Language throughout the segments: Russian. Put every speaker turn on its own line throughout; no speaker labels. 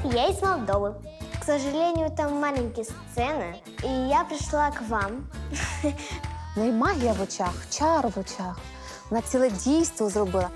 Я из Молдовы. К сожалению, там маленькие сцены, и я пришла к вам.
Ну і магія в очах, чар в очах. Вона ціле дійство зробила.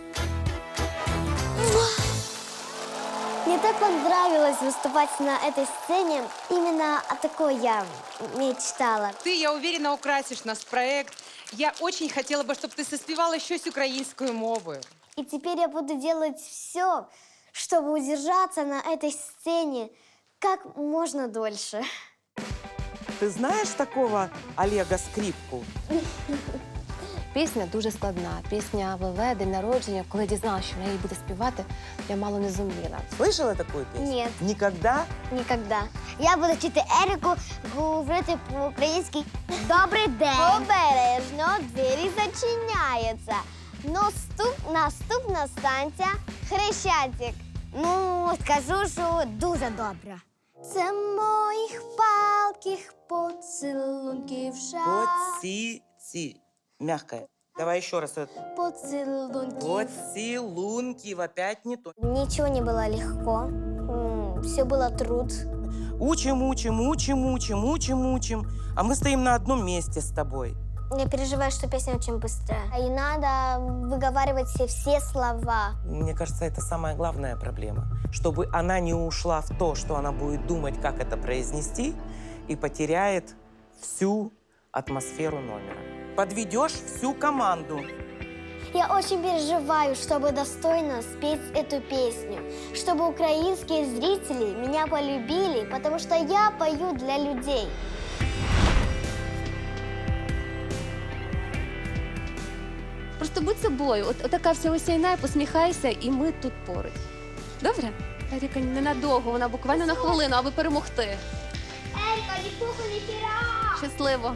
Мне так понравилось выступать на этой сцене. Именно о такой я мечтала.
Ты, я уверена, украсишь наш проект. Я очень хотела бы, чтобы ты соспевала щось українською мовою.
И теперь я буду делать все, чтобы удержаться на этой сцене как можно дольше.
Ты знаешь такого Олега Скрипку?
Пісня дуже складна. Пісня ВВ, день народження. Коли дізналася, що вона її буде співати, я мало не зуміла.
Слышала такую песню?
Нет.
Никогда?
Никогда. Я буду вчити Ерику говорити по-українськи. Добрий день. Обережно, двері зачиняються. Наступна станція Хрещатик. Ну, скажу, що дуже добре. Це моїх палких поцілунків шар.
Мягкая. Давай еще раз.
Поцілунків.
Поцелунки. Опять не то.
Ничего не было легко. Все было труд.
Учим. А мы стоим на одном месте с тобой.
Я переживаю, что песня очень быстрая. И надо выговаривать все слова.
Мне кажется, это самая главная проблема. Чтобы она не ушла в то, что она будет думать, как это произнести, и потеряет всю атмосферу номера. Подведешь всю команду.
Я очень переживаю, чтобы достойно спеть эту песню. Чтобы украинские зрители меня полюбили, потому что я пою для людей.
Просто будь собою. От така вся осяйна, посміхайся, і ми тут поруч. Добре? Еріка, ненадовго, вона буквально на хвилину, аби перемогти.
Ерика, ні пуху, ні хіра!
Щасливо.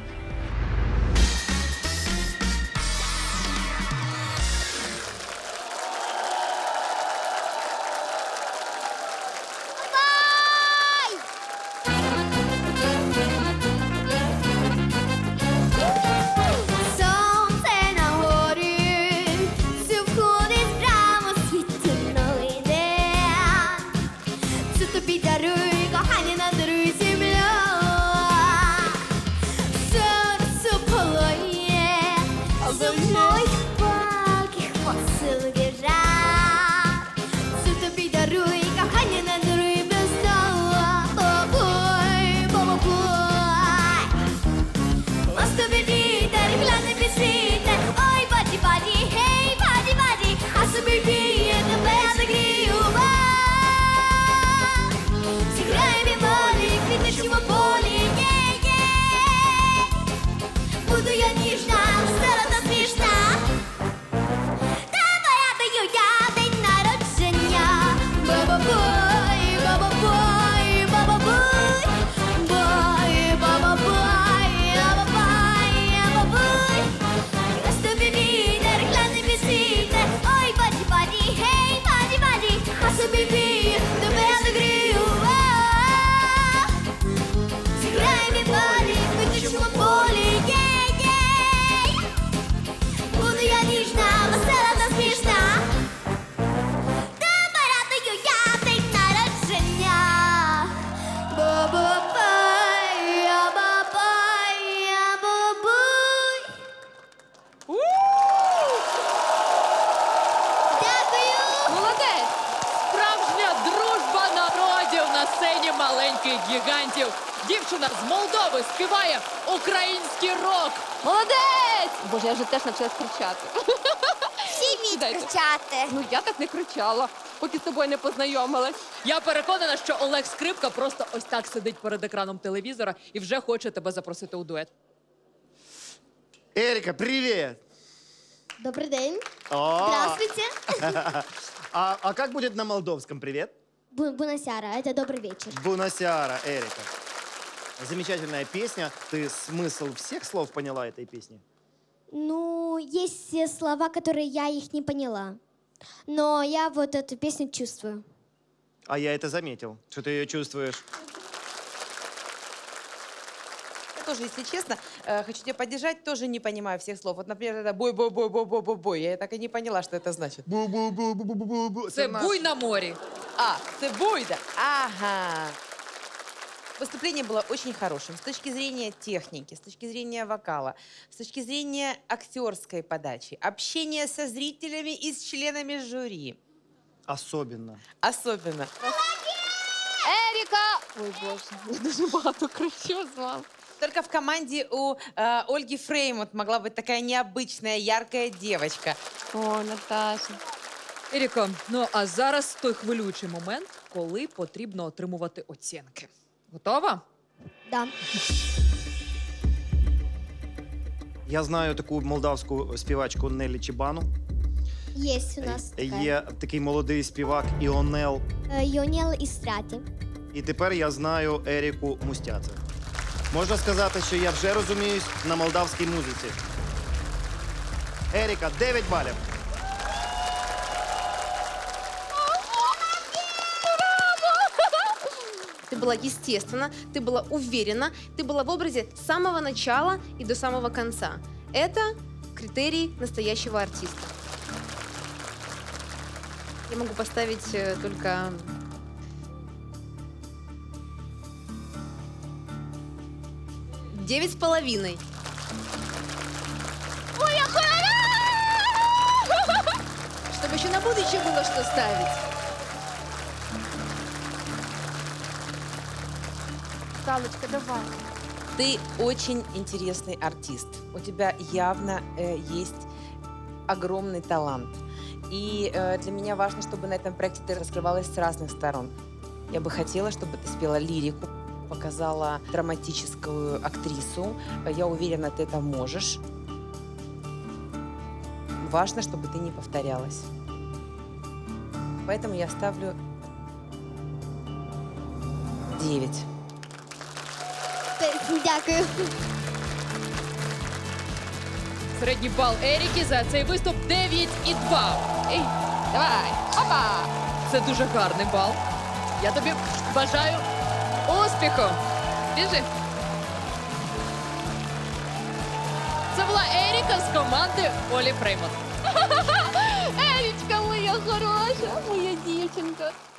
Сонце на горі, все входить прямо світлий день. Це тобі даруй, кохання, надаруй земля. Серце палає, за моїх палких поцілунків жар. Це тобі даруй, кохання, надаруй без дала. Бабой, бабой. Мосто вітер, гляне вітер, ой, баді, гей, баді, а собі віє, тебе загрію вас. Зіграємо волі, квітничому полі, є-є. Буду я ніжна, весела та смішна. Тебе радую я день народження. Ба-ба-бой, ба-ба-бой, ба-ба-бой. Бой, ба-ба-бой, ба-ба-бой, ба-бой. Розтобі вітер, гляне вітер, ой, баді, гей, баді, а собі віє, тебе загрію вас. Зіграємо волі, квітничому полі, є-є. Буду я ніжна, весела та смішна. Тебе радую я день народження. Ба-ба-бай, а-ба-бай, а-ба-буй. Дякую.
Молодець! Справжня дружба народів на сцені маленьких гігантів. Дівчина з Молдови співає український рок.
Молодець! Боже, я вже теж навчилась кричати.
Всі вміють
Дайте.
кричати.
Ну, я так не кричала, поки з тобою не познайомилась.
Я переконана, що Олег Скрипка просто ось так сидить перед екраном телевізора і вже хоче тебе запросити у дует.
Эрика, привет!
Добрий день.
О,
Здравствуйте.
а как будет на молдовском привет?
Бунасяра, это добрый вечер.
Бунасяра, Эрика. Замечательная песня. Ты смысл всех слов поняла этой песни?
Ну, есть слова, которые я их не поняла. Но я вот эту песню чувствую.
А я это заметил, что ты ее чувствуешь.
тоже, если честно, хочу тебя поддержать, тоже не понимаю всех слов. Вот, например, это бой-бой-бой-бой-бой-бой. Я так и не поняла, что это значит.
Це буй на морі.
А, ты буйда. Ага. Выступление было очень хорошим с точки зрения техники, с точки зрения вокала, с точки зрения актерской подачи, общения со зрителями и с членами жюри.
Особенно.
Особенно.
Еріка! Ой, Боже, я дуже багато кричу з вами.
Только в команде у Ольги Фреймут могла быть такая необычная, яркая девочка.
О, Наташа.
Еріко, ну а зараз той хвилюючий момент, коли потрібно отримувати оцінки. Готова?
Да.
Я знаю таку молдавську співачку Нелі Чібану.
Есть у нас такая.
Є такий молодий співак Іонел.
Йонел Істраті.
І тепер я знаю Еріку Мустяце. Можна сказати, що я вже розуміюсь на молдавській музиці. Еріка, 9 балів.
Ты была естественна, ты была уверена, ты была в образе с самого начала и до самого конца. Это критерий настоящего артиста. Я могу поставить только... Девять с половиной. Чтобы еще на будущее было что ставить.
Галочка, давай.
Ты очень интересный артист. У тебя явно есть огромный талант. И для меня важно, чтобы на этом проекте ты раскрывалась с разных сторон. Я бы хотела, чтобы ты спела лирику, показала драматическую актрису. Я уверена, ты это можешь. Важно, чтобы ты не повторялась. Поэтому я ставлю 9.
Дякую.
Середній бал Еріки за цей виступ 9,2. Ей, давай, опа! Це дуже гарний бал. Я тобі бажаю успіху. Біжи. Це була Еріка з команди Олі Фреймут.
Ерічка моя хороша, моя дівчинка.